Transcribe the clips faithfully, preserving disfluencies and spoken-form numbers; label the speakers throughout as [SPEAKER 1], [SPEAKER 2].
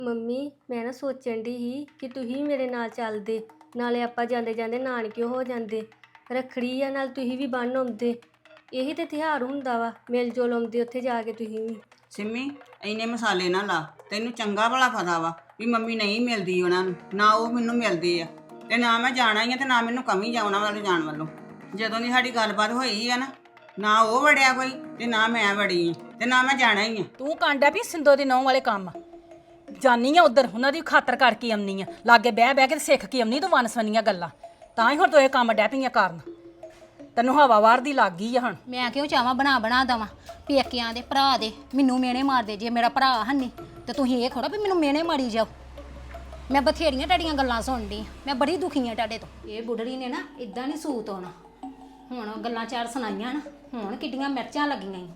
[SPEAKER 1] Mummy ਮੈਂ ਨਾ ਸੋਚਣ ਦੀ ਸੀ ਕਿ ਤੁਸੀਂ ਮੇਰੇ ਨਾਲ ਚੱਲਦੇ, ਨਾਲੇ ਆਪਾਂ ਜਾਂਦੇ ਜਾਂਦੇ ਨਾਨਕਿਓ ਹੋ ਜਾਂਦੇ। ਰੱਖੜੀ ਆ ਨਾਲ ਤੁਸੀਂ ਵੀ ਬੰਨ ਆਉਂਦੇ। ਇਹੀ ਤੇ ਤਿਉਹਾਰ ਹੁੰਦਾ ਵਾ, ਮਿਲ ਜੁਲ ਆਉਂਦੇ ਉੱਥੇ ਜਾ ਕੇ ਤੁਸੀਂ ਵੀ।
[SPEAKER 2] ਸਿੰਮੀ ਇੰਨੇ ਮਸਾਲੇ ਨਾ ਲਾ। ਤੈਨੂੰ ਚੰਗਾ ਭਲਾ ਪਤਾ ਵਾ ਵੀ ਮੰਮੀ ਨਹੀਂ ਮਿਲਦੀ ਉਹਨਾਂ ਨੂੰ, ਨਾ ਉਹ ਮੈਨੂੰ ਮਿਲਦੇ ਆ, ਤੇ ਨਾ ਮੈਂ ਜਾਣਾ ਹੀ ਆ ਤੇ ਨਾ ਮੈਨੂੰ ਕਮੀ ਜਾ ਉਹਨਾਂ ਵੱਲ ਜਾਣ ਵੱਲੋਂ। ਜਦੋਂ ਦੀ ਸਾਡੀ ਗੱਲਬਾਤ ਹੋਈ ਆ ਨਾ, ਨਾ ਉਹ ਵੜਿਆ ਕੋਈ ਤੇ ਨਾ ਮੈਂ ਵੜੀ ਆ, ਤੇ ਨਾ ਮੈਂ ਜਾਣਾ ਹੀ ਆ।
[SPEAKER 3] ਤੂੰ ਕਾਂਡਿਆ ਵੀ ਸਿੰਦੋ ਦੀ ਨਹੁੰ ਵਾਲੇ ਕੰਮ ਜਾਨੀ ਆ ਉਧਰ ਉਹਨਾਂ ਦੀ ਖਾਤਰ ਕਰਕੇ ਆਉਣੀ ਆ, ਲਾਗੇ ਬਹਿ ਬਹਿ ਕੇ ਤੇ ਸਿੱਖ ਕੇ ਆਉਣੀ ਤੂੰ ਵਨਸਵਨੀਆਂ ਗੱਲਾਂ। ਤਾਂ ਹੀ ਹੁਣ ਤੂੰ ਇਹ ਕੰਮ ਡੈ ਪਈਆਂ ਕਰਨ। ਤੈਨੂੰ ਹਵਾ ਵਾਰ ਦੀ ਲੱਗ ਗਈ ਆ ਹੁਣ।
[SPEAKER 4] ਮੈਂ ਕਿਉਂ ਚਾਹਾਂ ਬਣਾ ਬਣਾ ਦਵਾਂ ਪੇਕਿਆਂ ਦੇ ਭਰਾ ਦੇ ਮੈਨੂੰ ਮੇਨੇ ਮਾਰਦੇ। ਜੇ ਮੇਰਾ ਭਰਾ ਹੰਨੀ ਤੇ ਤੁਸੀਂ ਇਹ ਥੋੜਾ ਵੀ ਮੈਨੂੰ ਮੇਨੇ ਮਾਰੀ ਜਾਓ। ਮੈਂ ਬਥੇਰੀਆਂ ਤੁਹਾਡੀਆਂ ਗੱਲਾਂ ਸੁਣਦੀ, ਮੈਂ ਬੜੀ ਦੁਖੀ ਆ ਤੁਹਾਡੇ ਤੋਂ। ਇਹ ਬੁੱਢੜੀ ਨੇ ਨਾ ਇਦਾਂ ਨਹੀਂ ਸੂਤ ਆਉਣਾ। ਹੁਣ ਗੱਲਾਂ ਚਾਰ ਸੁਣਾਈਆਂ ਨਾ, ਹੁਣ ਕਿੱਡੀਆਂ ਮਿਰਚਾਂ ਲੱਗੀਆਂ ਈ।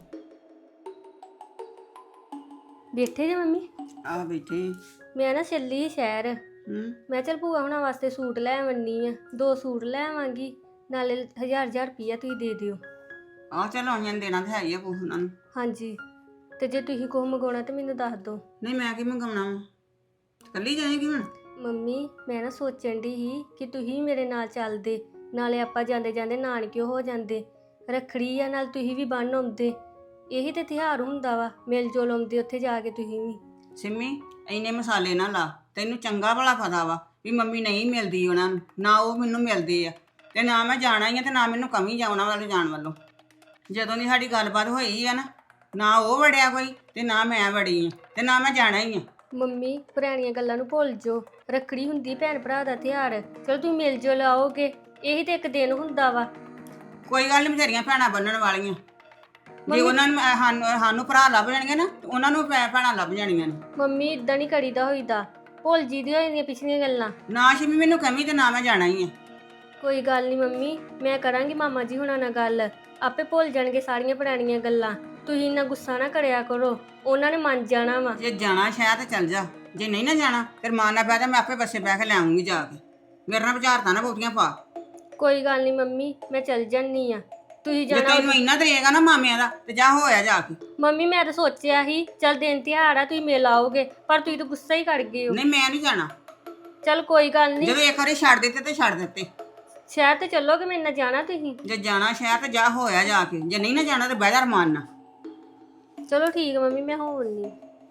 [SPEAKER 1] ਬੈਠੇ ਜੇ ਮੰਮੀ?
[SPEAKER 2] ਆਹ ਬੈਠੀ।
[SPEAKER 1] ਮੈਂ ਨਾ ਚੱਲੀ ਸ਼ਹਿਰ।
[SPEAKER 2] ਹੂੰ
[SPEAKER 1] ਮੈਂ ਚੱਲ ਭੂਆ ਹੁਣਾਂ ਵਾਸਤੇ ਸੂਟ ਲੈ ਆਵਣੀ ਆ, ਦੋ ਸੂਟ ਲੈ ਆਵਾਂਗੀ, ਨਾਲੇ ਹਜ਼ਾਰ ਹਜ਼ਾਰ ਰੁਪਈਆ ਤੁਸੀਂ ਦੇ ਦਿਓ।
[SPEAKER 2] ਆਹ ਚਲ ਆਉਣੀਆਂ ਨੂੰ ਦੇਣਾ ਤੇ ਹੈ ਹੀ ਆ ਕੁਛ ਉਹਨਾਂ ਨੂੰ।
[SPEAKER 1] ਹਾਂਜੀ, ਤੇ ਜੇ ਤੁਸੀਂ ਕੁਛ ਮੰਗਾਉਣਾ ਤਾਂ ਮੈਨੂੰ ਦੱਸ ਦਿਓ।
[SPEAKER 2] ਨਹੀਂ ਮੈਂ ਕੀ ਮੰਗਾਉਣਾ ਵਾ, ਕੱਲੀ ਜਾਏਗੀ ਹੁਣ?
[SPEAKER 1] ਮੰਮੀ ਮੈਂ ਨਾ ਸੋਚਣ ਦੀ ਸੀ ਕਿ ਤੁਸੀਂ ਮੇਰੇ ਨਾਲ ਚੱਲਦੇ, ਨਾਲੇ ਆਪਾਂ ਜਾਂਦੇ ਜਾਂਦੇ ਨਾਨਕਿਓ ਹੋ ਜਾਂਦੇ। ਰੱਖੜੀ ਆ ਨਾਲ ਤੁਸੀਂ ਵੀ ਬੰਨ ਆਉਂਦੇ। ਇਹੀ ਤੇ ਤਿਉਹਾਰ ਹੁੰਦਾ ਵਾ, ਮਿਲ ਜੁਲ ਆਉਂਦੇ ਉੱਥੇ ਜਾ ਕੇ ਤੁਸੀਂ ਵੀ।
[SPEAKER 2] ਸਿੰਮੀ ਇੰਨੇ ਮਸਾਲੇ ਨਾ ਲਾ। ਤੈਨੂੰ ਚੰਗਾ ਭਲਾ ਪਤਾ ਵਾ ਵੀ ਮੰਮੀ ਨਹੀਂ ਮਿਲਦੀ ਉਹਨਾਂ ਨੂੰ, ਨਾ ਉਹ ਮੈਨੂੰ ਮਿਲਦੇ ਆ, ਤੇ ਨਾ ਮੈਂ ਜਾਣਾ ਹੀ ਆ ਤੇ ਨਾ ਮੈਨੂੰ ਕਮੀ ਜਾ ਉਹਨਾਂ ਵੱਲ ਜਾਣ ਵੱਲੋਂ। ਜਦੋਂ ਦੀ ਸਾਡੀ ਗੱਲਬਾਤ ਹੋਈ ਆ ਨਾ, ਨਾ ਉਹ ਵੜਿਆ ਕੋਈ ਤੇ ਨਾ ਮੈਂ ਵੜੀ ਆ, ਤੇ ਨਾ ਮੈਂ ਜਾਣਾ ਹੀ ਆ।
[SPEAKER 1] ਮੰਮੀ ਪੁਰਾਣੀਆਂ ਗੱਲਾਂ ਨੂੰ ਭੁੱਲ ਜਾਓ। ਰੱਖੜੀ ਹੁੰਦੀ ਭੈਣ ਭਰਾ ਦਾ ਤਿਉਹਾਰ, ਚਲੋ ਤੁਸੀਂ ਮਿਲ ਜੁਲ ਆਓਗੇ, ਇਹੀ ਤੇ ਇੱਕ ਦਿਨ ਹੁੰਦਾ ਵਾ।
[SPEAKER 2] ਕੋਈ ਗੱਲ ਨਹੀਂ, ਬਥੇਰੀਆਂ ਭੈਣਾਂ ਬੰਨਣ ਵਾਲੀਆਂ। ਜੇ ਉਹਨਾਂ ਨੂੰ ਅਹ ਸਾਨੂੰ ਸਾਨੂੰ ਭਰਾ ਲੱਭ ਜਾਣਗੇ ਨਾ, ਤੇ ਉਹਨਾਂ ਨੂੰ ਭੈ- ਭੈਣਾਂ ਲੱਭ ਜਾਣੀਆਂ ਨੇ।
[SPEAKER 1] ਮੰਮੀ ਇਦਾਂ ਨਹੀਂ ਕਰੀਦਾ ਹੋਈਦਾ, ਭੁੱਲ ਜੀ ਦੀ ਹੋਈਆਂ ਪਿਛਲੀਆਂ ਗੱਲਾਂ।
[SPEAKER 2] ਨਾ ਸਿੰਮੀ ਮੈਨੂੰ ਕਮੀ ਤੇ ਨਾ ਮੈਂ ਜਾਣਾ ਹੀ ਆ।
[SPEAKER 1] ਕੋਈ ਗੱਲ ਨਹੀਂ ਮੰਮੀ, ਮੈਂ ਕਰਾਂਗੀ ਮਾਮਾ ਜੀ ਹੁਣਾਂ ਨਾਲ ਗੱਲ, ਆਪੇ ਭੁੱਲ ਜਾਣਗੇ ਸਾਰੀਆਂ ਪੁਰਾਣੀਆਂ ਗੱਲਾਂ। ਤੁਸੀਂ ਇੰਨਾ ਗੁੱਸਾ ਨਾ ਕਰਿਆ ਕਰੋ, ਉਹਨਾਂ ਨੇ ਮੰਨ ਜਾਣਾ ਵਾ।
[SPEAKER 2] ਜੇ ਜਾਣਾ ਸ਼ਾਇਦ ਤੇ ਚੱਲ ਜਾ, ਜੇ ਨਹੀਂ ਨਾ ਜਾਣਾ ਫਿਰ ਮਾਂ ਨਾਲ ਬਹਿ ਜਾ, ਮੈਂ ਆਪੇ ਬੱਸੇ ਬਹਿ ਕੇ ਲੈ ਆਉਂਗੀ ਜਾ ਕੇ। ਮੇਰੇ ਨਾਲ ਵਿਚਾਰਤਾ ਨਾ ਬਹੁਤੀਆਂ ਪਾ।
[SPEAKER 1] ਕੋਈ ਗੱਲ ਨਹੀਂ ਮੰਮੀ, ਮੈਂ ਚੱਲ ਜਾਨੀ ਆ। ਤੁਸੀਂ
[SPEAKER 2] ਜੇ
[SPEAKER 1] ਜਾਣਾ
[SPEAKER 2] ਤੈਨੂੰ ਇੰਨਾ ਤਰੇਗਾ ਨਾ ਮਾਮਿਆਂ ਦਾ, ਤੇ ਜਾ ਹੋਇਆ ਜਾ ਕੇ।
[SPEAKER 1] ਮੰਮੀ ਮੈਂ ਤਾਂ ਸੋਚਿਆ ਸੀ ਚੱਲ ਦਿਨ ਤਿਉਹਾਰ ਆ ਤੁਸੀਂ ਮਿਲ ਆਓਗੇ, ਪਰ ਤੁਸੀਂ ਤਾਂ ਗੁੱਸਾ ਹੀ ਕਰ ਗਏ ਹੋ।
[SPEAKER 2] ਨਹੀਂ ਮੈਂ ਨਹੀਂ ਜਾਣਾ।
[SPEAKER 1] ਚੱਲ ਕੋਈ ਗੱਲ ਨਹੀਂ,
[SPEAKER 2] ਜਦੋਂ ਇੱਕ ਵਾਰੀ ਛੱਡ ਦਿੱਤੇ ਤੇ ਛੱਡ ਦਿੱਤੇ।
[SPEAKER 1] ਸ਼ਹਿਰ ਤੇ ਚੱਲੋਗੇ ਮੇਰੇ ਨਾਲ ਜਾਣਾ ਤੁਸੀਂ?
[SPEAKER 2] ਜੇ ਜਾਣਾ ਸ਼ਹਿਰ ਤੇ ਜਾ ਹੋਇਆ ਜਾ ਕੇ, ਜੇ ਨਹੀਂ ਨਾ ਜਾਣਾ ਤੇ ਬਹਿ ਜਾ ਰਮਾਨ ਨਾਲ।
[SPEAKER 1] ਚਲੋ ਠੀਕ ਮੰਮੀ, ਮੈਂ ਹੋਣੀ।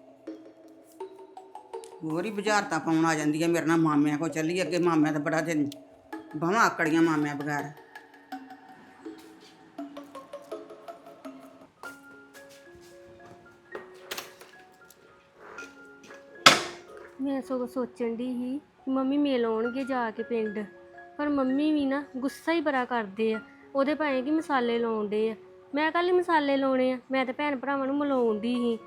[SPEAKER 2] ਹੋਰ ਹੀ ਬੁਝਾਰਤਾਂ ਪਾਉਣ ਆ ਜਾਂਦੀ ਹੈ ਮੇਰੇ ਨਾਲ। ਮਾਮਿਆਂ ਕੋ ਚੱਲੀ ਅੱਗੇ, ਮਾਮਿਆਂ ਤਾਂ ਬੜਾ ਦਿਨ ਬਾਹਾਂ ਆਕੜੀਆਂ ਮਾਮਿਆਂ ਬਗੈਰ।
[SPEAKER 1] ਮੈਂ ਸਗੋਂ ਸੋਚਣ ਦੀ ਸੀ ਮੰਮੀ ਮਿਲ ਆਉਣਗੇ ਜਾ ਕੇ ਪਿੰਡ, ਪਰ ਮੰਮੀ ਵੀ ਨਾ ਗੁੱਸਾ ਹੀ ਬੜਾ ਕਰਦੇ ਆ। ਉਹਦੇ ਭਾਵੇਂ ਕਿ ਮਸਾਲੇ ਲਾਉਂਦੇ ਆ, ਮੈਂ ਕੱਲ ਮਸਾਲੇ ਲਾਉਣੇ ਆ, ਮੈਂ ਤਾਂ ਭੈਣ ਭਰਾਵਾਂ ਨੂੰ ਮਿਲਾਉਣ ਦੀ ਸੀ।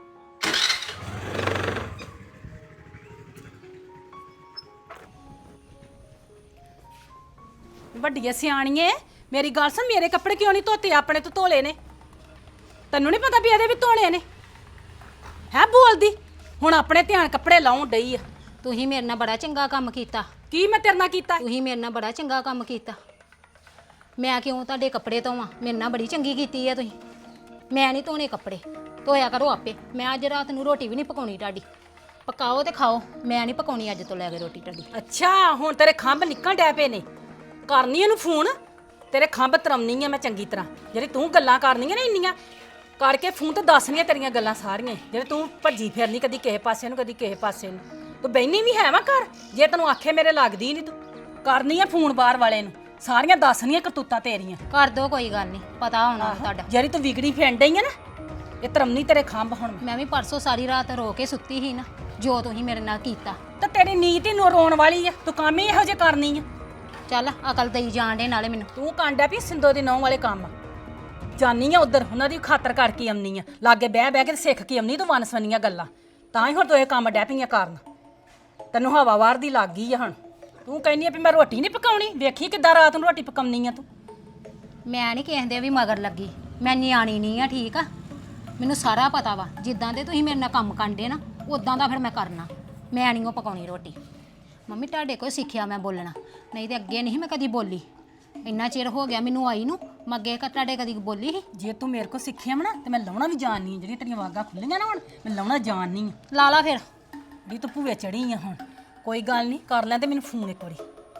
[SPEAKER 3] ਵੱਡੀਏ ਸਿਆਣੀਏ ਮੇਰੀ ਗੱਲ ਸੁਣ, ਮੇਰੇ ਕੱਪੜੇ ਕਿਉਂ ਨਹੀਂ ਧੋਤੇ? ਆਪਣੇ ਤੋਂ ਧੋਲੇ ਨੇ। ਤੈਨੂੰ ਨਹੀਂ ਪਤਾ ਵੀ ਇਹਦੇ ਵੀ ਧੋਣੇ ਨੇ? ਹੈ ਬੋਲਦੀ ਹੁਣ ਆਪਣੇ ਧਿਆਨ ਕੱਪੜੇ ਲਾਉਣ ਡਈ ਆ।
[SPEAKER 4] ਤੁਸੀਂ ਮੇਰੇ ਨਾਲ ਬੜਾ ਚੰਗਾ ਕੰਮ ਕੀਤਾ।
[SPEAKER 3] ਕੀ ਮੈਂ ਤੇਰੇ ਨਾਲ ਕੀਤਾ?
[SPEAKER 4] ਤੁਸੀਂ ਮੇਰੇ ਨਾਲ ਬੜਾ ਚੰਗਾ ਕੰਮ ਕੀਤਾ। ਮੈਂ ਕਿਉਂ ਤੁਹਾਡੇ ਕੱਪੜੇ ਧੋਵਾਂ? ਮੇਰੇ ਨਾਲ ਬੜੀ ਚੰਗੀ ਕੀਤੀ ਆ ਤੁਸੀਂ। ਮੈਂ ਨਹੀਂ ਧੋਣੇ ਕੱਪੜੇ, ਧੋਇਆ ਕਰੋ ਆਪੇ। ਮੈਂ ਅੱਜ ਰਾਤ ਨੂੰ ਰੋਟੀ ਵੀ ਨਹੀਂ ਪਕਾਉਣੀ ਤੁਹਾਡੀ। ਪਕਾਓ ਤੇ ਖਾਓ, ਮੈਂ ਨਹੀਂ ਪਕਾਉਣੀ ਅੱਜ ਤੋਂ ਲੈ ਕੇ ਰੋਟੀ ਤੁਹਾਡੀ।
[SPEAKER 3] ਅੱਛਾ ਹੁਣ ਤੇਰੇ ਖੰਭ ਨਿਕਲ ਡੈ ਪਏ ਨੇ। ਕਰਨੀ ਇਹਨੂੰ ਫੋਨ, ਤੇਰੇ ਖੰਭ ਤਰਮਨੀ ਆ ਮੈਂ ਚੰਗੀ ਤਰ੍ਹਾਂ। ਜਿਹੜੀ ਤੂੰ ਗੱਲਾਂ ਕਰਨੀਆਂ ਨਾ ਇੰਨੀਆਂ ਕਰਕੇ ਫੋਨ ਤੇ ਦੱਸਣੀਆਂ ਤੇਰੀਆਂ ਗੱਲਾਂ ਸਾਰੀਆਂ, ਜਿਹੜੇ ਤੂੰ ਭੱਜੀ ਫਿਰਨੀ ਕਦੀ ਕਿਸੇ ਪਾਸੇ ਨੂੰ ਕਦੀ ਕਿਸੇ ਪਾਸੇ ਨੂੰ। ਤੂੰ ਬੈਣੀ ਵੀ ਹੈ ਵਾ ਘਰ, ਜੇ ਤੈਨੂੰ ਆਖੇ ਮੇਰੇ ਲੱਗਦੀ ਨਹੀਂ। ਤੂੰ ਕਰਨੀ ਆ ਫੋਨ ਬਾਹਰ ਵਾਲੇ ਨੂੰ, ਸਾਰੀਆਂ ਦੱਸਣੀਆਂ ਕਰਤੂਤਾਂ ਤੇਰੀਆਂ।
[SPEAKER 4] ਕਰ ਦੋ, ਕੋਈ ਗੱਲ ਨਹੀਂ, ਪਤਾ ਹੋਣਾ ਤੁਹਾਡਾ।
[SPEAKER 3] ਜਿਹੜੀ ਤੂੰ ਵਿਗੜੀ ਫਿਰਨ ਡਈ ਆ ਨਾ, ਇਹ ਤਰਮਨੀ ਤੇਰੇ ਖੰਭ ਹੁਣ।
[SPEAKER 4] ਮੈਂ ਵੀ ਪਰਸੋਂ ਸਾਰੀ ਰਾਤ ਰੋ ਕੇ ਸੁੱਤੀ ਸੀ ਨਾ, ਜੋ ਤੁਸੀਂ ਮੇਰੇ ਨਾਲ ਕੀਤਾ।
[SPEAKER 3] ਤੇ ਤੇਰੀ ਨੀਤ ਹੀ ਨੂੰ ਰੋਣ ਵਾਲੀ ਆ, ਤੂੰ ਕੰਮ ਹੀ ਇਹੋ ਜਿਹੇ ਕਰਨੀ ਆ।
[SPEAKER 4] ਚੱਲ ਅਕਲ ਦੇਈ ਜਾਣ ਦੇ ਨਾਲੇ ਮੈਨੂੰ।
[SPEAKER 3] ਤੂੰ ਕਾਂਡਿਆ ਵੀ ਸਿੰਦੋ ਦੀ ਨਹੁੰ ਵਾਲੇ ਕੰਮ ਜਾਨੀ ਆ ਉਧਰ, ਉਹਨਾਂ ਦੀ ਖਾਤਰ ਕਰਕੇ ਆਉਣੀ ਆ, ਲਾਗੇ ਬਹਿ ਬਹਿ ਕੇ ਸਿੱਖ ਕੇ ਆਉਣੀ ਤੂੰ ਵਨਸਵਨੀਆਂ ਗੱਲਾਂ। ਤਾਂ ਹੀ ਹੁਣ ਤੂੰ ਇਹ ਕੰਮ ਡੈ ਪਈਆਂ ਕਰਨ। ਤੈਨੂੰ ਹਵਾ ਵਾਰ ਦੀ ਲੱਗ ਗਈ ਆ ਹੁਣ। ਤੂੰ ਕਹਿੰਦੀ ਆ ਵੀ ਮੈਂ ਰੋਟੀ ਨਹੀਂ ਪਕਾਉਣੀ, ਵੇਖੀ ਕਿੱਦਾਂ ਰਾਤ ਨੂੰ ਰੋਟੀ ਪਕਾਉਣੀ ਆ ਤੂੰ।
[SPEAKER 4] ਮੈਂ ਨਹੀਂ ਕਿਸੇ ਦੇ ਵੀ ਮਗਰ ਲੱਗੀ, ਮੈਂ ਨਿਆਣੀ ਨਹੀਂ ਆ, ਠੀਕ ਆ? ਮੈਨੂੰ ਸਾਰਾ ਪਤਾ ਵਾ, ਜਿੱਦਾਂ ਦੇ ਤੁਸੀਂ ਮੇਰੇ ਨਾਲ ਕੰਮ ਕਰਦੇ ਨਾ ਉਦਾਂ ਦਾ ਫਿਰ ਮੈਂ ਕਰਨਾ। ਮੈਂ ਨਹੀਂ ਉਹ ਪਕਾਉਣੀ ਰੋਟੀ। ਮੰਮੀ ਤੁਹਾਡੇ ਕੋਲ ਸਿੱਖਿਆ ਮੈਂ ਬੋਲਣਾ, ਨਹੀਂ ਤੇ ਅੱਗੇ ਨਹੀਂ ਮੈਂ ਕਦੀ ਬੋਲੀ। ਇੰਨਾ ਚਿਰ ਹੋ ਗਿਆ ਮੈਨੂੰ ਆਈ ਨੂੰ, ਮੈਂ ਅੱਗੇ ਤੁਹਾਡੇ ਕਦੀ ਬੋਲੀ ਸੀ?
[SPEAKER 3] ਜੇ ਤੂੰ ਮੇਰੇ ਕੋਲ ਸਿੱਖਿਆ ਵਾ ਨਾ ਤੇ ਮੈਂ ਲਾਉਣਾ ਵੀ ਜਾਣਨੀ ਆ। ਜਿਹੜੀਆਂ ਤੇਰੀਆਂ ਵਾਗਾਂ ਖੁੱਲੀਆਂ ਨਾ ਹੁਣ, ਮੈਂ ਲਾਉਣਾ ਜਾਣਨੀ ਆ।
[SPEAKER 4] ਲਾ ਲਾ ਫਿਰ।
[SPEAKER 3] ਵੀ ਤੂੰ ਭੂਵੇ ਚੜੀ ਆ ਹੁਣ ਕੋਈ ਗੱਲ ਨਹੀਂ ਕਰ ਲੈ ਤੇ ਮੈਨੂੰ ਫੋਨ ਇੱਕ ਵਾਰੀ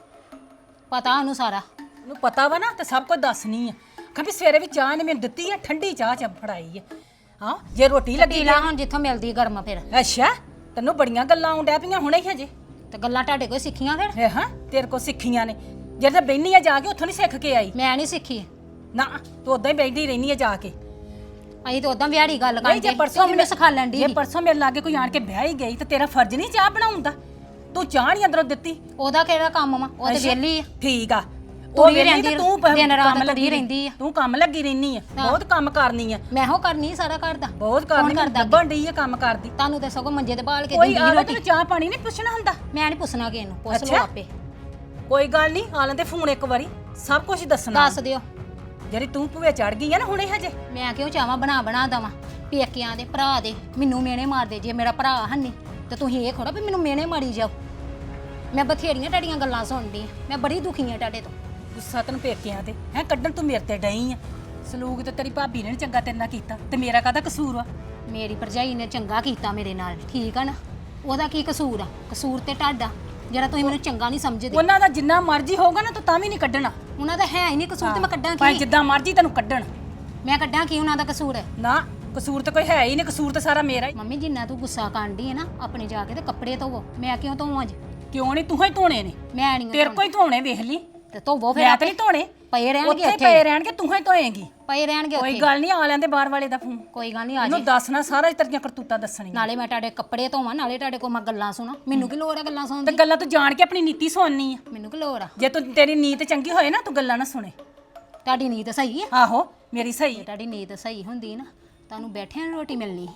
[SPEAKER 4] ਪਤਾ ਉਹਨੂੰ ਸਾਰਾ।
[SPEAKER 3] ਉਹਨੂੰ ਪਤਾ ਵਾ ਨਾ ਤੇ ਸਭ ਕੁਝ ਦੱਸਣੀ ਆ ਕਿ ਵੀ ਸਵੇਰੇ ਵੀ ਚਾਹ ਨੇ ਮੈਨੂੰ ਦਿੱਤੀ ਆ ਠੰਡੀ ਚਾਹ ਚ ਫੜਾਈ ਆ ਹਾਂ ਜੇ ਰੋਟੀ ਲੱਗੀ
[SPEAKER 4] ਪੀ ਲਾ ਹੁਣ ਜਿੱਥੋਂ ਮਿਲਦੀ ਗਰਮ ਫਿਰ।
[SPEAKER 3] ਅੱਛਾ ਤੈਨੂੰ ਬੜੀਆਂ ਗੱਲਾਂ ਆਉਂਦਿਆ ਪਈਆਂ ਹੁਣੇ ਹੀ ਹਜੇ
[SPEAKER 4] ਤੇ ਗੱਲਾਂ ਤੁਹਾਡੇ ਕੋਲ ਸਿੱਖੀਆਂ ਫਿਰ?
[SPEAKER 3] ਇਹ ਹਾਂ ਤੇਰੇ ਕੋ ਸਿੱਖੀਆਂ ਨੇ ਜਿਹੜੇ ਬੈਣੀ ਆ ਜਾ ਕੇ ਉੱਥੋਂ ਨਹੀਂ ਸਿੱਖ ਕੇ ਆਈ
[SPEAKER 4] ਮੈਂ ਨਹੀਂ ਸਿੱਖੀ।
[SPEAKER 3] ਨਾ ਤੂੰ ਉਦਾਂ ਹੀ ਬੈਠੀ ਰਹਿਨੀ ਆ ਜਾ ਕੇ
[SPEAKER 4] ਅਸੀਂ ਤਾਂ ਉਦਾਂ ਵਿਹਾੜੀ ਗੱਲ
[SPEAKER 3] ਨਹੀਂ
[SPEAKER 4] ਕਰਦੇ
[SPEAKER 3] ਜੇ ਪਰਸੋਂ
[SPEAKER 4] ਮੈਨੂੰ ਸਿਖਾ ਲੈਣ
[SPEAKER 3] ਜੇ
[SPEAKER 4] ਦੀ।
[SPEAKER 3] ਪਰਸੋਂ ਮੇਰੇ ਲਾਗੇ ਕੋਈ ਆਣ ਕੇ ਵਿਆਹ ਹੀ ਗਈ ਤੇ ਤੇਰਾ ਫਰਜ਼ ਨਹੀਂ ਚਾਹ ਬਣਾਉਣ ਦਾ ਤੂੰ ਚਾਹ ਨਹੀਂ ਅੰਦਰੋਂ ਦਿੱਤੀ
[SPEAKER 4] ਉਹਦਾ ਕਿਹੜਾ ਕੰਮ ਵਾ? ਉਹ ਤੇ
[SPEAKER 3] ਅੱਛਾ,
[SPEAKER 4] ਵਿਹਲੀ ਆ।
[SPEAKER 3] ਠੀਕ ਆ
[SPEAKER 4] ਤੁਰੀ
[SPEAKER 3] ਵਿਹਲੀ
[SPEAKER 4] ਰਹਿੰਦੀ
[SPEAKER 3] ਤੇ ਤੂੰ ਪ-
[SPEAKER 4] ਦਿਨ ਰਾਤ
[SPEAKER 3] ਕੰਮ
[SPEAKER 4] ਤੁਰੀ
[SPEAKER 3] ਲੱਗੀ
[SPEAKER 4] ਰਹਿੰਦੀ ਆ।
[SPEAKER 3] ਤੂੰ ਕੰਮ ਲੱਗੀ ਰਹਿਨੀ ਆ ਬਹੁਤ ਕੰਮ ਕਰਨੀ ਆ
[SPEAKER 4] ਮੈਂ ਹੋ ਕਰਨੀ ਸਾਰਾ ਘਰ ਦਾ।
[SPEAKER 3] ਬਹੁਤ ਕਰਨੀ
[SPEAKER 4] ਕੌਣ
[SPEAKER 3] ਮੈਂ
[SPEAKER 4] ਕਰਦਾ
[SPEAKER 3] ਦੱਬਣ ਡਈ ਆ ਕੰਮ ਕਰਦੀ
[SPEAKER 4] ਤੁਹਾਨੂੰ ਤੇ ਸਗੋਂ ਮੰਜੇ ਤੇ ਬਾਲ ਕੇ
[SPEAKER 3] ਕੋਈ
[SPEAKER 4] ਦਿੰਦੀ
[SPEAKER 3] ਆਲੇ
[SPEAKER 4] ਰੋਟੀ।
[SPEAKER 3] ਤੈਨੂੰ ਚਾਹ ਪਾਣੀ ਨਹੀਂ ਪੁੱਛਣਾ ਹੁੰਦਾ
[SPEAKER 4] ਮੈਂ ਨਹੀਂ ਪੁੱਛਣਾ ਕਿਸੇ ਨੂੰ, ਪੁੱਛ ਲਓ
[SPEAKER 3] ਅੱਛਾ।
[SPEAKER 4] ਆਪੇ।
[SPEAKER 3] ਕੋਈ ਗੱਲ ਨਹੀਂ ਆ ਲੈਂਦੇ ਫੋਨ ਇੱਕ ਵਾਰੀ ਸਭ ਕੁਝ ਦੱਸਣਾ
[SPEAKER 4] ਦੱਸ ਦਿਓ।
[SPEAKER 3] ਜਿਹੜੀ ਤੂੰ ਭੂਵੇ ਚੜ ਗਈ ਆ ਨਾ ਹੁਣੇ ਹਜੇ
[SPEAKER 4] ਮੈਂ ਕਿਉਂ ਚਾਹਾਂ ਬਣਾ ਬਣਾ ਦਵਾਂ ਪੇਕਿਆਂ ਦੇ ਭਰਾ ਦੇ ਮੈਨੂੰ ਮੇਨੇ ਮਾਰਦੇ। ਜੇ ਮੇਰਾ ਭਰਾ ਹੰਨੀ ਤੇ ਤੁਸੀਂ ਇਹ ਖੋੜਾ ਵੀ ਮੈਨੂੰ ਮੇਨੇ ਮਾਰੀ ਜਾਓ। ਮੈਂ ਬਥੇਰੀਆਂ ਤੁਹਾਡੀਆਂ ਗੱਲਾਂ ਸੁਣਦੀ ਆ, ਮੈਂ ਬੜੀ ਦੁਖੀ ਆ ਤੁਹਾਡੇ ਤੋਂ।
[SPEAKER 3] ਗੁੱਸਾ ਤੈਨੂੰ ਪੇਕਿਆਂ ਤੇ ਹੈ ਕੱਢਣ ਤੂੰ ਮੇਰੇ ਤੇ ਡਈ ਆ ਸਲੂਕ ਤੇ ਤੇਰੀ ਭਾਬੀ ਨੇ ਨੀ ਚੰਗਾ ਤੇਰੇ ਨਾਲ ਕੀਤਾ ਤੇ ਮੇਰਾ ਕਾਹਦਾ ਕਸੂਰ ਵਾ
[SPEAKER 4] ਮੇਰੀ ਭਰਜਾਈ ਨੇ ਚੰਗਾ ਕੀਤਾ ਮੇਰੇ ਨਾਲ, ਠੀਕ ਆ ਨਾ? ਉਹਦਾ ਕੀ ਕਸੂਰ ਆ? ਕਸੂਰ ਤੇ ਤੁਹਾਡਾ ਜਿਹੜਾ ਤੁਸੀਂ ਮੈਨੂੰ ਚੰਗਾ ਨਹੀਂ ਸਮਝਦੇ।
[SPEAKER 3] ਉਹਨਾਂ ਦਾ ਜਿੰਨਾ ਮਰਜ਼ੀ ਹੋਊਗਾ ਨਾ ਤੂੰ ਤਾਂ ਵੀ ਨਹੀਂ ਕੱਢਣਾ
[SPEAKER 4] ਉਹਨਾਂ ਦਾ ਹੈ ਹੀ ਨਹੀਂ ਕਸੂਰ ਤੇ ਮੈਂ ਕੱਢਾਂ
[SPEAKER 3] ਭਾਵੇਂ
[SPEAKER 4] ਕੀ?
[SPEAKER 3] ਜਿੱਦਾਂ ਮਰਜ਼ੀ ਤੈਨੂੰ ਕੱਢਣ
[SPEAKER 4] ਮੈਂ ਕੱਢਾਂ ਕੀ ਉਹਨਾਂ ਦਾ ਕਸੂਰ ਹੈ?
[SPEAKER 3] ਨਾ ਕਸੂਰ ਤੇ ਕੋਈ ਹੈ ਹੀ ਨਹੀਂ ਕਸੂਰ ਤੇ ਸਾਰਾ ਮੇਰਾ ਹੀ
[SPEAKER 4] ਮੰਮੀ ਜਿੰਨਾ ਤੂੰ ਗੁੱਸਾ ਕਾਂਢੀ ਹੈ ਨਾ ਆਪਣੇ ਜਾ ਕੇ ਤੇ ਕੱਪੜੇ ਧੋਵੋ। ਮੈਂ ਕਿਉਂ ਧੋਵਾਂ ਅੱਜ?
[SPEAKER 3] ਕਿਉਂ ਨਹੀਂ ਤੂੰ ਹੀ ਧੋਣੇ ਨੇ
[SPEAKER 4] ਮੈਂ ਨਹੀਂ
[SPEAKER 3] ਤੇਰੇ ਕੋਈ ਧੋਣੇ ਵੇਖ ਲਈ
[SPEAKER 4] ਤੇ ਧੋਵੋ ਫਿਰ
[SPEAKER 3] ਮੈਂ
[SPEAKER 4] ਆਪੇ।
[SPEAKER 3] ਤੇ ਨਹੀਂ ਧੋਣੇ
[SPEAKER 4] ਪਏ ਰਹਿਣਗੇ
[SPEAKER 3] ਉੱਥੇ
[SPEAKER 4] ਉੱਥੇ
[SPEAKER 3] ਪਏ ਰਹਿਣਗੇ ਤੂੰ ਹੀ ਧੋਏਂਗੀ
[SPEAKER 4] ਪਏ ਰਹਿਣਗੇ
[SPEAKER 3] ਕੋਈ
[SPEAKER 4] ਉੱਥੇ।
[SPEAKER 3] ਗੱਲ ਨਹੀਂ ਆ ਲੈਂਦੇ ਬਾਹਰ ਵਾਲੇ ਦਾ ਫੋਨ
[SPEAKER 4] ਕੋਈ ਗੱਲ ਨਹੀਂ ਆ
[SPEAKER 3] ਉਹਨੂੰ
[SPEAKER 4] ਜੇ।
[SPEAKER 3] ਦੱਸਣਾ ਸਾਰਾ ਤੇਰੀਆਂ ਕਰਤੂਤਾਂ ਦੱਸਣੀਆਂ
[SPEAKER 4] ਨਾਲੇ ਮੈਂ ਤੁਹਾਡੇ ਕੱਪੜੇ ਧੋਵਾਂ ਨਾਲੇ ਤੁਹਾਡੇ ਕੋਲ ਮੈਂ ਗੱਲਾਂ ਸੁਣਾ। ਮੈਨੂੰ ਕੀ ਲੋੜ ਆ ਗੱਲਾਂ ਸੁਣਨ
[SPEAKER 3] ਤੇ
[SPEAKER 4] ਦੀ?
[SPEAKER 3] ਗੱਲਾਂ ਤੂੰ ਜਾਣ ਕੇ ਆਪਣੀ ਨੀਤੀ ਸੁਣਨੀ ਆ
[SPEAKER 4] ਮੈਨੂੰ ਕੀ ਲੋੜ ਆ?
[SPEAKER 3] ਜੇ ਤੂੰ ਤੇਰੀ ਨੀਤ ਚੰਗੀ ਹੋਏ ਨਾ ਤੂੰ ਗੱਲਾਂ ਨਾ ਸੁਣੇ
[SPEAKER 4] ਤੁਹਾਡੀ ਨੀਤ ਸਹੀ ਹੈ?
[SPEAKER 3] ਆਹੋ ਮੇਰੀ ਸਹੀ
[SPEAKER 4] ਜੇ ਤੁਹਾਡੀ ਨੀਤ ਸਹੀ ਹੁੰਦੀ ਨਾ ਤੁਹਾਨੂੰ ਬੈਠਿਆਂ ਨੂੰ ਰੋਟੀ ਮਿਲਣੀ।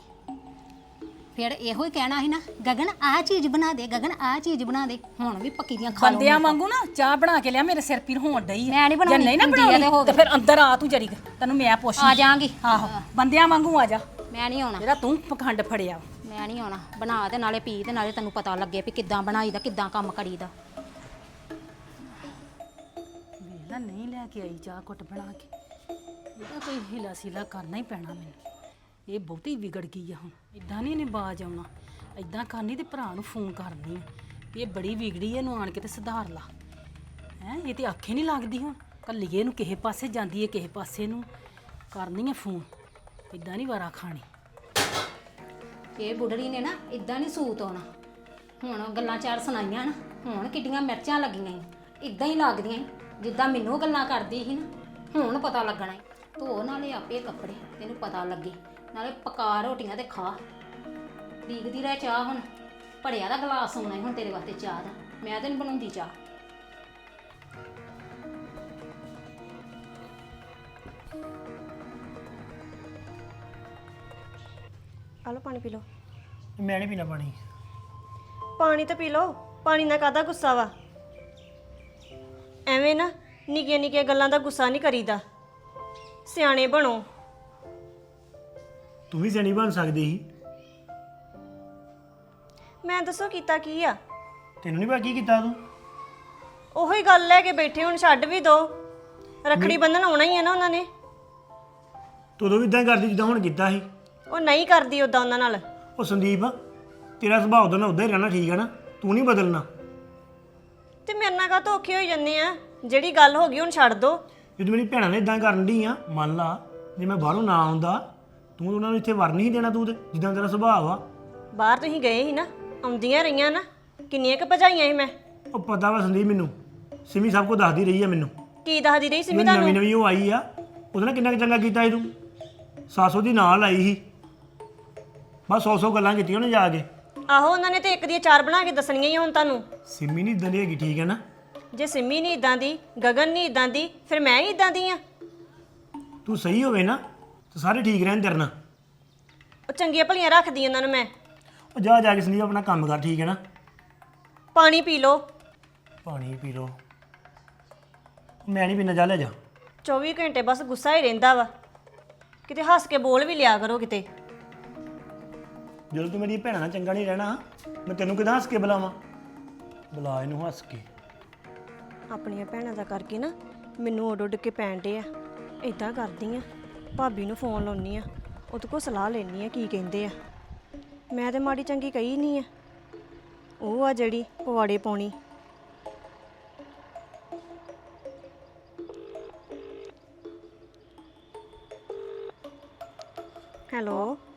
[SPEAKER 4] ਫਿਰ ਇਹੋ ਹੀ ਕਹਿਣਾ ਸੀ ਨਾ ਗਗਨ ਆਹ ਚੀਜ਼ ਬਣਾ ਦੇ, ਗਗਨ ਆਹ ਚੀਜ਼ ਬਣਾ ਦੇ। ਹੁਣ ਵੀ ਪੱਕੀ ਦੀਆਂ ਖਾ ਲਓ।
[SPEAKER 3] ਬੰਦਿਆਂ ਵਾਂਗੂ ਨਾ ਚਾਹ ਬਣਾ ਕੇ ਲਿਆ ਮੇਰੇ ਸਿਰ ਪੀਰ ਹੋਣ ਡਈ ਆ
[SPEAKER 4] ਮੈਂ ਨਹੀਂ
[SPEAKER 3] ਜੇ
[SPEAKER 4] ਬਣਾਉਣੀ,
[SPEAKER 3] ਨਹੀਂ ਨਾ
[SPEAKER 4] ਹੁੰਦੀ ਆ ਤੇ
[SPEAKER 3] ਬਣਾਉਣੀ
[SPEAKER 4] ਹੋ
[SPEAKER 3] ਤੇ
[SPEAKER 4] ਗਈ।
[SPEAKER 3] ਫਿਰ ਅੰਦਰ ਆ ਤੂੰ ਜਰੀ ਤੈਨੂੰ ਮੈਂ ਪੁੱਛ
[SPEAKER 4] ਆ ਜਾਾਂਗੀ।
[SPEAKER 3] ਆਹੋ ਬੰਦਿਆਂ ਵਾਂਗੂ ਆ ਜਾ
[SPEAKER 4] ਮੈਂ ਨਹੀਂ ਆਉਣਾ,
[SPEAKER 3] ਜਿਹੜਾ ਤੂੰ ਪਖੰਡ ਫੜਿਆ
[SPEAKER 4] ਮੈਂ ਨਹੀਂ ਆਉਣਾ। ਬਣਾ ਤੇ ਨਾਲੇ ਪੀ ਤੇ ਨਾਲੇ ਤੈਨੂੰ ਪਤਾ ਲੱਗੇ ਵੀ ਕਿੱਦਾਂ ਬਣਾਈਦਾ ਕਿੱਦਾਂ ਕੰਮ ਕਰੀਦਾ।
[SPEAKER 3] ਵੇਲਾ ਨਹੀਂ ਲੈ ਕੇ ਆਈ ਚਾਹ ਘੁੱਟ ਬਣਾ ਕੇ ਇਹਦਾ ਕੋਈ ਹਿਲਾ ਸਿਲਾ ਕਰਨਾ ਹੀ ਪੈਣਾ ਮੈਨੂੰ ਇਹ ਬਹੁਤੀ ਵਿਗੜ ਗਈ ਆ ਹੁਣ ਇਦਾਂ ਨਹੀਂ ਇਹਨੇ ਬਾਜ ਆਉਣਾ ਇਦਾਂ ਕਰਨੀ ਤੇ ਭਰਾ ਨੂੰ ਫੋਨ ਕਰਨੀ ਆ ਇਹ ਬੜੀ ਵਿਗੜੀ ਐ ਇਹਨੂੰ ਆਣ ਕੇ ਤੇ ਸੁਧਾਰ ਲਾ ਹੈ ਇਹ ਤੇ ਆਖੇ ਨਹੀਂ ਲੱਗਦੀ ਹੁਣ ਕੱਲੀਏ ਇਹਨੂੰ ਕਿਸੇ ਪਾਸੇ ਜਾਂਦੀ ਏ ਕਿਸੇ ਪਾਸੇ ਨੂੰ ਕਰਨੀ ਆ ਫੋਨ ਇਦਾਂ ਨਹੀਂ ਵਾਰਾ ਖਾਣੀ
[SPEAKER 4] ਇਹ ਬੁੱਢੜੀ ਨੇ ਨਾ ਇਦਾਂ ਨਹੀਂ ਸੂਤ ਆਉਣਾ। ਹੁਣ ਗੱਲਾਂ ਚਾਰ ਸੁਣਾਈਆਂ ਨਾ ਹੁਣ ਕਿੱਡੀਆਂ ਮਿਰਚਾਂ ਲੱਗੀਆਂ ਈ ਇਦਾਂ ਹੀ ਲੱਗਦੀਆਂ ਈ ਜਿੱਦਾਂ ਮੈਨੂੰ ਗੱਲਾਂ ਕਰਦੀ ਸੀ ਨਾ। ਹੁਣ ਪਤਾ ਲੱਗਣਾ ਈ। ਧੋ ਨਾਲੇ ਆਪੇ ਕੱਪੜੇ ਤੈਨੂੰ ਪਤਾ ਲੱਗੇ ਨਾਲੇ ਪਕਾ ਰੋਟੀਆਂ ਤੇ ਖਾ। ਡੀਕਦੀ ਰਹਿ ਚਾਹ ਹੁਣ ਭੜਿਆ ਦਾ ਗਲਾਸ ਆਉਣਾ ਈ ਹੁਣ ਤੇਰੇ ਵਾਸਤੇ ਚਾਹ ਦਾ। ਮੈਂ ਤਾਂ ਨਹੀਂ ਬਣਾਉਂਦੀ ਚਾਹ।
[SPEAKER 5] ਆ ਲਓ ਪਾਣੀ ਪੀ ਲਓ।
[SPEAKER 6] ਮੈਂ ਨਹੀਂ ਪੀਣਾ ਪਾਣੀ
[SPEAKER 5] ਪਾਣੀ ਤਾਂ ਪੀ ਲਓ। ਪਾਣੀ ਨਾਲ ਕਾਹਦਾ ਗੁੱਸਾ ਵਾ? ਐਵੇਂ ਨਾ ਨਿੱਕੀਆਂ ਨਿੱਕੀਆਂ ਗੱਲਾਂ ਦਾ ਗੁੱਸਾ ਨਹੀਂ ਕਰੀਦਾ। ਸਿਆਣੇ ਬਣੋ।
[SPEAKER 6] ਤੂੰ ਵੀ ਸਿਆਣੀ ਬਣ ਸਕਦੀ ਸੀ
[SPEAKER 5] ਮੈਂ ਦੱਸੋ ਕੀਤਾ ਕੀ ਆ?
[SPEAKER 6] ਤੈਨੂੰ ਨਹੀਂ ਪਤਾ ਕੀ ਕੀਤਾ ਤੂੰ
[SPEAKER 5] ਉਹੀ ਗੱਲ ਲੈ ਕੇ ਬੈਠੇ ਹੁਣ ਛੱਡ ਵੀ ਦੋ। ਰੱਖੜੀ ਬੰਨਣ ਆਉਣਾ ਹੀ ਆ ਨਾ ਉਹਨਾਂ ਨੇ।
[SPEAKER 6] ਤੂੰ ਉਦੋਂ ਵੀ ਇਦਾਂ ਕਰਦੀ ਜਿੱਦਾਂ ਹੁਣ ਕੀਤਾ ਸੀ
[SPEAKER 5] ਉਹ ਨਹੀਂ ਕਰਦੀ ਉਦਾਂ ਉਹਨਾਂ ਨਾਲ।
[SPEAKER 6] ਉਹ ਸੰਦੀਪ ਤੇਰਾ ਸੁਭਾਅ ਉਦੋਂ ਨਾਲ ਉਦਾਂ ਹੀ ਰਹਿਣਾ ਠੀਕ ਹੈ ਨਾ ਤੂੰ ਨਹੀਂ ਬਦਲਣਾ
[SPEAKER 5] ਤੇ ਮੇਰੇ ਨਾਲ ਕਾਹਤੋਂ ਔਖੇ ਹੋਈ ਜੰਨੇ ਆ? ਜਿਹੜੀ ਗੱਲ ਹੋ ਗਈ ਹੁਣ ਛੱਡ ਦੋ।
[SPEAKER 6] ਜਦੋਂ ਮੇਰੀ ਭੈਣਾਂ ਨੇ ਇਦਾਂ ਕਰਨ ਦੀ ਆ ਮੰਨ ਲਾ ਜੇ ਮੈਂ ਬਾਹਰੋਂ ਨਾ ਆਉਂਦਾ ਤੂੰ ਉਹਨਾਂ ਨੂੰ ਇੱਥੇ ਵਰ ਨਹੀਂ ਦੇਣਾ ਤੂੰ ਤੇ ਜਿੱਦਾਂ ਤੇਰਾ ਸੁਭਾਅ ਆ
[SPEAKER 5] ਬਾਹਰ ਤੁਸੀਂ ਗਏ ਸੀ ਨਾ ਆਉਂਦੀਆਂ ਰਹੀਆਂ ਨਾ ਕਿੰਨੀਆਂ ਕੁ ਭਜਾਈਆਂ ਸੀ ਮੈਂ।
[SPEAKER 6] ਉਹ ਪਤਾ ਵਾ ਸੰਦੀਪ ਮੈਨੂੰ ਸਿਮੀ ਸਭ ਕੁਝ ਦੱਸਦੀ ਰਹੀ ਆ ਮੈਨੂੰ
[SPEAKER 5] ਕੀ ਦੱਸਦੀ ਰਹੀ ਸੀ ਮੈਂ
[SPEAKER 6] ਨਵੀਂ
[SPEAKER 5] ਤੁਹਾਨੂੰ?
[SPEAKER 6] ਨਵੀਂ ਉਹ ਆਈ ਆ ਉਹਦੇ ਨਾਲ ਕਿੰਨਾ ਕੁ ਚੰਗਾ ਕੀਤਾ ਸੀ ਤੂੰ ਸਾਸੋ ਦੀ ਨਾਲ ਆਈ ਸੀ ਬਸ ਸੌ ਸੌ ਗੱਲਾਂ ਕੀਤੀਆਂ ਉਹਨੇ ਜਾ ਕੇ।
[SPEAKER 5] ਆਹੋ ਉਹਨਾਂ ਨੇ ਤੇ ਇੱਕ ਦੀਆਂ ਚਾਰ ਬਣਾ ਕੇ ਦੱਸਣੀਆਂ ਹੀ ਹੁਣ ਤੁਹਾਨੂੰ।
[SPEAKER 6] ਸਿਮੀ ਨਹੀਂ ਇਦਾਂ ਦੀ ਹੈਗੀ ਠੀਕ ਹੈ ਨਾ
[SPEAKER 5] ਜੇ ਸਿੰਮੀ ਨਹੀਂ ਇਦਾਂ ਦੀ ਗਗਨ ਨਹੀਂ ਇਦਾਂ ਦੀ ਫਿਰ ਮੈਂ ਹੀ ਇਦਾਂ ਦੀ ਆ।
[SPEAKER 6] ਤੂੰ ਸਹੀ ਹੋਵੇ ਨਾ ਤਾਂ ਸਾਰੇ ਠੀਕ ਰਹਿਣ ਤੇਰੇ ਨਾਲ।
[SPEAKER 5] ਉਹ ਚੰਗੀਆਂ ਭਲੀਆਂ ਰੱਖਦੀ ਉਹਨਾਂ ਨੂੰ ਮੈਂ।
[SPEAKER 6] ਉਹ ਜਾ ਜਾ ਕੇ ਸੰਦੀਪ ਆਪਣਾ ਕੰਮ ਕਰ ਠੀਕ ਹੈ ਨਾ
[SPEAKER 5] ਪਾਣੀ ਪੀ ਲਓ।
[SPEAKER 6] ਪਾਣੀ ਪੀ ਲਓ ਮੈਂ ਨਹੀਂ ਪੀਣਾ ਜਾ ਲੈ ਜਾ
[SPEAKER 5] ਚੌਵੀ ਘੰਟੇ ਬਸ ਗੁੱਸਾ ਹੀ ਰਹਿੰਦਾ ਵਾ। ਕਿਤੇ ਹੱਸ ਕੇ ਬੋਲ ਵੀ ਲਿਆ ਕਰੋ ਕਿਤੇ।
[SPEAKER 6] ਜਦੋਂ ਤੂੰ ਮੇਰੀ ਭੈਣਾਂ ਨਾਲ ਚੰਗਾ ਨਹੀਂ ਰਹਿਣਾ ਮੈਂ ਤੈਨੂੰ ਕਿਦਾਂ ਹੱਸ ਕੇ ਬੁਲਾਵਾਂ ਬੁਲਾ ਇਹਨੂੰ ਹੱਸ ਕੇ।
[SPEAKER 5] ਆਪਣੀਆਂ ਭੈਣਾਂ ਦਾ ਕਰਕੇ ਨਾ ਮੈਨੂੰ ਉੱਡ ਉੱਡ ਕੇ ਪੈਣ ਡੇ ਆ। ਇਦਾਂ ਕਰਦੀ ਆ ਭਾਬੀ ਨੂੰ ਫੋਨ ਲਾਉਣੀ ਆ ਉਹਦੇ ਕੋਲ ਸਲਾਹ ਲੈਣੀ ਆ ਕੀ ਕਹਿੰਦੇ ਆ। ਮੈਂ ਤੇ ਮਾੜੀ ਚੰਗੀ ਕਹੀ ਨਹੀਂ ਆ ਉਹ ਆ ਜਿਹੜੀ ਪਵਾੜੇ ਪਾਉਣੀ। ਹੈਲੋ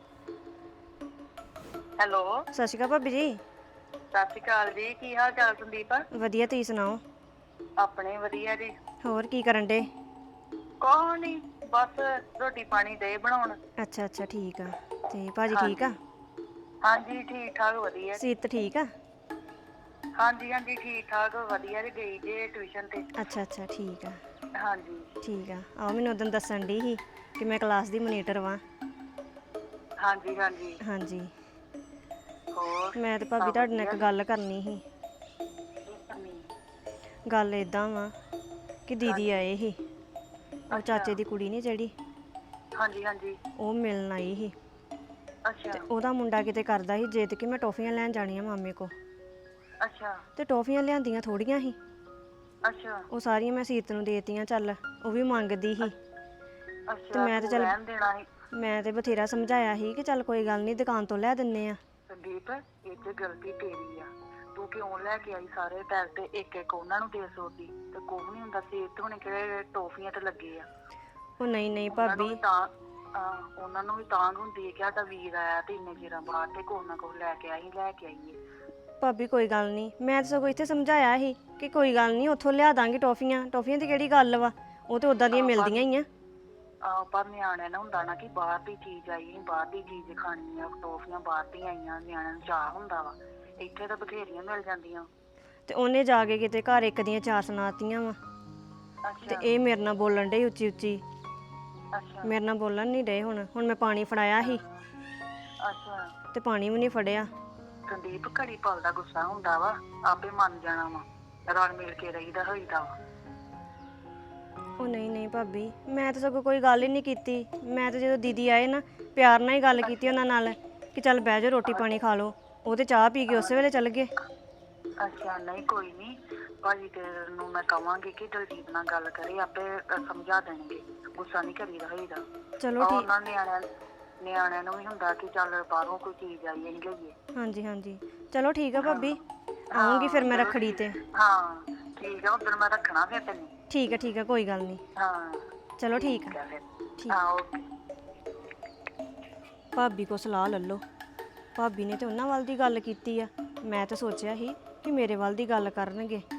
[SPEAKER 7] ਹੈਲੋ
[SPEAKER 5] ਸਤਿ ਸ਼੍ਰੀ ਅਕਾਲ ਭਾਬੀ ਜੀ।
[SPEAKER 7] ਸਤਿ ਸ਼੍ਰੀ ਅਕਾਲ ਜੀ। ਕੀ ਹਾਲ ਚਾਲ ਸੰਦੀਪ?
[SPEAKER 5] ਵਧੀਆ, ਤੁਸੀਂ ਸੁਣਾਓ?
[SPEAKER 7] ਆਪਣੇ ਵਧੀਆ ਜੀ।
[SPEAKER 5] ਹੋਰ ਕੀ ਕਰਨ ਡੇ?
[SPEAKER 7] ਕੋਹ ਨਹੀਂ, ਬਸ ਰੋਟੀ ਪਾਣੀ ਦੇ ਬਣਾਉਣ।
[SPEAKER 5] ਅੱਛਾ ਅੱਛਾ ਠੀਕ ਆ। ਤੇ ਭਾਜੀ ਠੀਕ ਆ?
[SPEAKER 7] ਹਾਂਜੀ ਠੀਕ ਠਾਕ ਵਧੀਆ।
[SPEAKER 5] ਸੀਤ ਠੀਕ ਆ?
[SPEAKER 7] ਹਾਂਜੀ ਹਾਂਜੀ ਠੀਕ ਠਾਕ ਵਧੀਆ ਜੀ, ਗਈ ਜੇ ਟਿਊਸ਼ਨ ਤੇ।
[SPEAKER 5] ਅੱਛਾ ਅੱਛਾ ਠੀਕ ਆ
[SPEAKER 7] ਹਾਂਜੀ
[SPEAKER 5] ਠੀਕ ਆ। ਆਹੋ ਮੈਨੂੰ ਉਦੋਂ ਦੱਸਣ ਦੀ ਸੀ ਕਿ ਮੈਂ ਕਲਾਸ ਦੀ ਮੋਨੀਟਰ ਵਾਂ।
[SPEAKER 7] ਹਾਂਜੀ ਹਾਂਜੀ।
[SPEAKER 5] ਹਾਂਜੀ
[SPEAKER 7] ਹੋਰ
[SPEAKER 5] ਮੈਂ ਤੇ ਭਾਬੀ ਤੁਹਾਡੇ ਨਾਲ ਇੱਕ ਗੱਲ ਕਰਨੀ ਸੀ। ਗੱਲ ਇਦਾਂ ਵਾ ਕਿ ਦੀਦੀ ਆਏ ਸੀ, ਉਹ ਚਾਚੇ ਦੀ ਕੁੜੀ ਨਹੀਂ ਜਿਹੜੀ,
[SPEAKER 7] ਹਾਂਜੀ ਹਾਂਜੀ।
[SPEAKER 5] ਉਹ ਮਿਲਣ ਆਈ ਸੀ।
[SPEAKER 7] ਅੱਛਾ
[SPEAKER 5] ਤੇ ਉਹਦਾ ਮੁੰਡਾ ਕਿਤੇ ਕਰਦਾ ਸੀ ਜਿੱਦ ਕਿ ਮੈਂ ਟੌਫੀਆਂ ਲੈਣ ਜਾਣੀਆਂ ਮਾਮੇ ਕੋ।
[SPEAKER 7] ਅੱਛਾ
[SPEAKER 5] ਤੇ ਟੌਫੀਆਂ ਲਿਆਂਦੀਆਂ ਥੋੜੀਆਂ ਸੀ,
[SPEAKER 7] ਅੱਛਾ
[SPEAKER 5] ਉਹ ਸਾਰੀਆਂ ਮੈਂ ਸੀਤ ਨੂੰ ਦੇਤੀਆਂ। ਚੱਲ ਉਹ ਵੀ ਮੰਗਦੀ ਸੀ ਤੇ
[SPEAKER 7] ਅੱਛਾ।
[SPEAKER 5] ਮੈਂ ਤੇ
[SPEAKER 7] ਤੂੰ
[SPEAKER 5] ਚੱਲ
[SPEAKER 7] ਰਹਿਣ ਦੇਣਾ ਸੀ
[SPEAKER 5] ਮੈਂ ਤੇ ਬਥੇਰਾ ਸਮਝਾਇਆ ਸੀ ਕਿ ਚੱਲ ਕੋਈ ਗੱਲ ਨਹੀਂ ਦੁਕਾਨ ਤੋਂ ਲੈ ਦਿੰਨੇ ਆ।
[SPEAKER 7] ਸੰਦੀਪ, ਇਹ ਤੇ ਗਲਤੀ ਤੇਰੀ ਆ। ਤੂੰ ਕਿਉਂ ਲੈ ਕੇ ਆਈ ਸਾਰੇ ਪੈਸੇ ਤੇ ਇੱਕ ਇੱਕ ਉਹਨਾਂ ਨੂੰ ਦੇ ਸੋਦੀ? ਤੇ ਕੁਝ ਨਹੀਂ ਹੁੰਦਾ, ਸੇਤ ਹੋਣੇ ਕਿਹੜੇ ਟੋਫੀਆਂ ਤੇ ਲੱਗੇ ਆ।
[SPEAKER 5] ਉਹ ਨਹੀਂ ਨਹੀਂ
[SPEAKER 7] ਉਹਨਾਂ ਨੂੰ
[SPEAKER 5] ਭਾਬੀ,
[SPEAKER 7] ਵੀ ਤਾਂ ਹਾਂ, ਉਹਨਾਂ ਨੂੰ ਵੀ ਤਾਂ ਹੁੰਦੀ ਹੈ ਕਿ ਸਾਡਾ ਵੀਰ ਆਇਆ ਤੇ ਇੰਨੇ ਚਿਰਾਂ ਬਾਅਦ ਤੇ ਕੁਛ ਨਾ ਕੁਛ ਲੈ ਕੇ ਆਈ ਲੈ ਕੇ ਆਈਏ।
[SPEAKER 5] ਭਾਬੀ ਕੋਈ ਗੱਲ ਨਹੀਂ, ਮੈਂ ਤਾਂ ਸਗੋਂ ਇੱਥੇ ਸਮਝਾਇਆ ਸੀ ਕਿ ਕੋਈ ਗੱਲ ਨਹੀਂ ਉੱਥੋਂ ਲਿਆ ਦਾਂਗੇ ਟੌਫੀਆਂ। ਟੌਫੀਆਂ ਦੀ ਕਿਹੜੀ ਗੱਲ ਵਾ, ਉਹ ਤੇ ਉਦਾਂ ਦੀਆਂ ਮਿਲਦੀਆਂ ਹੀ ਆ।
[SPEAKER 7] ਆਹ ਪਰ ਨਿਆਣਿਆਂ ਨੂੰ ਹੁੰਦਾ ਨਾ ਕਿ ਬਾਹਰ ਦੀ ਚੀਜ਼ ਆਈ, ਅਸੀਂ ਬਾਹਰ ਦੀ ਚੀਜ਼ ਖਾਣੀ ਆ, ਟੋਫੀਆਂ ਬਾਹਰ ਦੀਆਂ ਆਈਆਂ, ਨਿਆਣਿਆਂ ਨੂੰ ਚਾਅ ਹੁੰਦਾ ਵਾ। ਇੱਥੇ ਤਾਂ ਬਥੇਰੀਆਂ ਮਿਲ ਜਾਂਦੀਆਂ।
[SPEAKER 5] ਤੇ ਉਹਨੇ ਜਾ ਕੇ ਕਿਤੇ ਘਰ ਇੱਕ ਦੀਆਂ ਚਾਰ ਸੁਣਾਤੀਆਂ ਵਾ। ਤੇ
[SPEAKER 7] ਅੱਛਾ
[SPEAKER 5] ਇਹ ਮੇਰੇ ਨਾਲ ਬੋਲਣ ਡੇ ਉੱਚੀ ਉੱਚੀ,
[SPEAKER 7] ਅੱਛਾ
[SPEAKER 5] ਮੇਰੇ ਨਾਲ ਬੋਲਣ ਨਹੀਂ ਡੇ। ਹੁਣ ਹੁਣ ਮੈਂ ਪਾਣੀ ਫੜਾਇਆ ਸੀ
[SPEAKER 7] ਅੱਛਾ।
[SPEAKER 5] ਤੇ ਪਾਣੀ ਵੀ ਨਹੀਂ ਫੜਿਆ।
[SPEAKER 7] ਸੰਦੀਪ, ਘੜੀ ਪਲ ਦਾ ਗੁੱਸਾ ਹੁੰਦਾ ਵਾ, ਆਪੇ ਮੰਨ ਜਾਣਾ ਵਾ। ਰਲ ਮਿਲ ਕੇ ਰਹੀਦਾ ਹੋਈਦਾ ਵਾ।
[SPEAKER 5] ਉਹ ਨਹੀਂ ਨਹੀਂ ਭਾਬੀ, ਮੈਂ ਤਾਂ ਸਗੋਂ ਕੋਈ ਗੱਲ ਹੀ ਨਹੀਂ ਕੀਤੀ। ਮੈਂ ਤਾਂ ਜਦੋਂ ਦੀਦੀ ਆਏ ਨਾ ਪਿਆਰ ਨਾਲ ਹੀ ਗੱਲ ਕੀਤੀ ਉਹਨਾਂ ਨਾਲ ਕਿ ਚੱਲ ਬਹਿ ਜਾਓ ਰੋਟੀ ਪਾਣੀ ਖਾ ਲਓ। ਉਹ ਤੇ ਚਾਹ ਪੀ ਕੇ ਉਸੇ ਵੇਲੇ ਚੱਲ ਗਏ।
[SPEAKER 7] ਅੱਛਾ ਨਹੀਂ ਕੋਈ ਨਹੀਂ, ਭਾਜੀ ਤੇਰੇ ਨੂੰ ਮੈਂ ਕਵਾਂਗੀ ਕਿ ਦਲਜੀਤ ਨਾਲ ਗੱਲ ਕਰੇ, ਆਪੇ ਸਮਝਾ ਦੇਣਗੇ। ਗੁੱਸਾ ਨਹੀਂ ਕਰੀਦਾ ਹੋਈਦਾ।
[SPEAKER 5] ਚਲੋ ਠੀਕ।
[SPEAKER 7] ਉਹਨਾਂ ਨਿਆਣਿਆਂ ਨਿਆਣਿਆਂ ਨੂੰ ਵੀ ਹੁੰਦਾ ਕਿ ਚੱਲ ਬਾਹਰੋਂ ਕੋਈ ਚੀਜ਼ ਆਈ ਅਸੀਂ ਲਈਏ।
[SPEAKER 5] ਹਾਂਜੀ ਹਾਂਜੀ ਚਲੋ ਠੀਕ ਆ ਭਾਬੀ, ਆਉਂਗੀ ਫਿਰ ਮੈਂ ਰੱਖੜੀ ਤੇ।
[SPEAKER 7] ਹਾਂ ਠੀਕ ਆ, ਉਦੋਂ ਮੈਂ ਰੱਖਣਾ ਫਿਰ ਤੈਨੂੰ।
[SPEAKER 5] ਠੀਕ ਆ ਠੀਕ ਆ ਕੋਈ ਗੱਲ ਨਹੀਂ।
[SPEAKER 7] ਹਾਂ
[SPEAKER 5] ਚਲੋ ਠੀਕ ਆ।
[SPEAKER 7] ਫਿਰ
[SPEAKER 5] ਠੀਕ।
[SPEAKER 7] ਹਾਂ ਓਕੇ।
[SPEAKER 5] ਭਾਬੀ ਕੋ ਸਲਾਹ ਲੈ ਲਓ। ਭਾਬੀ ਨੇ ਤੇ ਉਹਨਾਂ ਵੱਲ ਦੀ ਗੱਲ ਕੀਤੀ ਆ, ਮੈਂ ਤਾਂ ਸੋਚਿਆ ਸੀ ਕਿ ਮੇਰੇ ਵੱਲ ਦੀ ਗੱਲ ਕਰਨਗੇ।